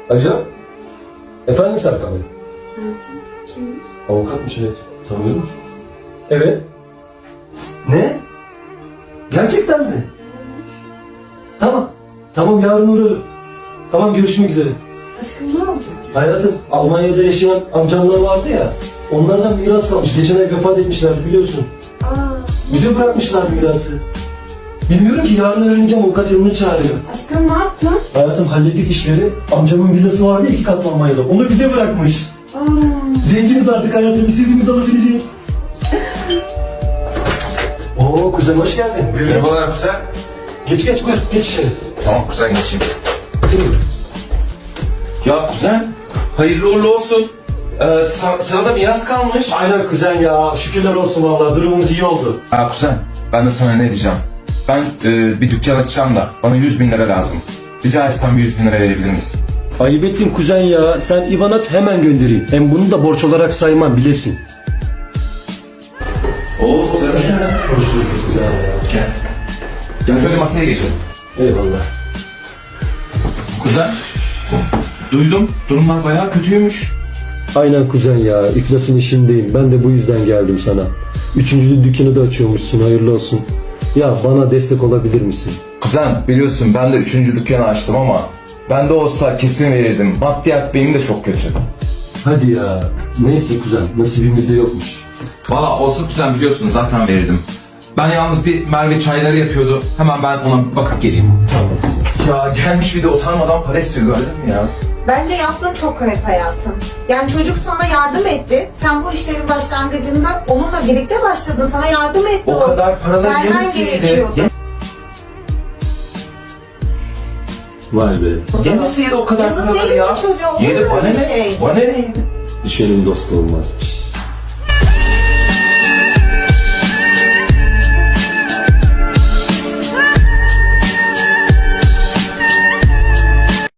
Alo? Efendim Serkan Bey? Kimmiş? Avukatmış, evet. Tanıyorum. Evet. Ne? Gerçekten mi? Tamam. Tamam, yarın uğrarım. Tamam, görüşmek üzere. Aşkım ne oldu? Hayatım, Almanya'da yaşayan amcamlar vardı ya, onlardan miras kalmış. Geçen ay vefat etmişlerdi, biliyorsun. Bize bırakmışlar mirası. Bilmiyorum ki, yarın öğreneceğim, avukat yanına çağırıyor. Aşkım ne yaptın? Hayatım, hallettik işleri. Amcamın villası vardı ya, 2 katlı Almanya'da. Onu bize bırakmış. Zenginiz artık hayatım, istediğimizi alabileceğiz. Oo kuzen, hoş geldin. Buyur. Merhabalar kuzen. Geç buyur, geç içeri. Tamam kuzen, geçeyim. Ya kuzen, hayırlı uğurlu olsun. Sana da miras kalmış. Aynen kuzen ya, şükürler olsun vallahi, durumumuz iyi oldu. Ha kuzen, ben de sana ne diyeceğim. Ben bir dükkan açacağım da bana 100.000 lira lazım. Rica etsem bir 100.000 lira verebilir misin? Ayıp ettin kuzen ya, sen IBAN at, hemen göndereyim. Hem bunu da borç olarak saymam, bilesin. Oo kuzen, hoş geldin. Hoş bulduk kuzen ya. Gel. Gel şöyle masaya geçelim. Eyvallah. Kuzen, duydum durumlar bayağı kötüymüş. Aynen kuzen ya, iflasın işindeyim. Ben de bu yüzden geldim sana. 3. dükkanı da açıyormuşsun, hayırlı olsun. Ya bana destek olabilir misin? Kuzen, biliyorsun ben de 3. dükkanı açtım ama ben de olsa kesin verirdim. Maddiyat benim de çok kötü. Hadi ya. Neyse kuzen, nasibimizde yokmuş. Valla olsa kuzen, biliyorsun zaten verirdim. Ben yalnız bir Merve çayları yapıyordu. Hemen ben ona bir bakıp geleyim. Tamam kuzen. Ya gelmiş bir de utanmadan para istiyor, gördün mü ya? Bence yaptığın çok garip hayatım. Yani çocuk sana yardım etti. Sen bu işlerin başlangıcında onunla birlikte başladın. Sana yardım etti. O kadar paraları Vermen yenisiydi. gerekiyordu. Vay be. Yenisiydi o kadar Yazık paraları değil mi ya. çocuğa? Olur Yedi, mu bana öyle ne? şey? Bana ne? Düşenin dostu olmazmış.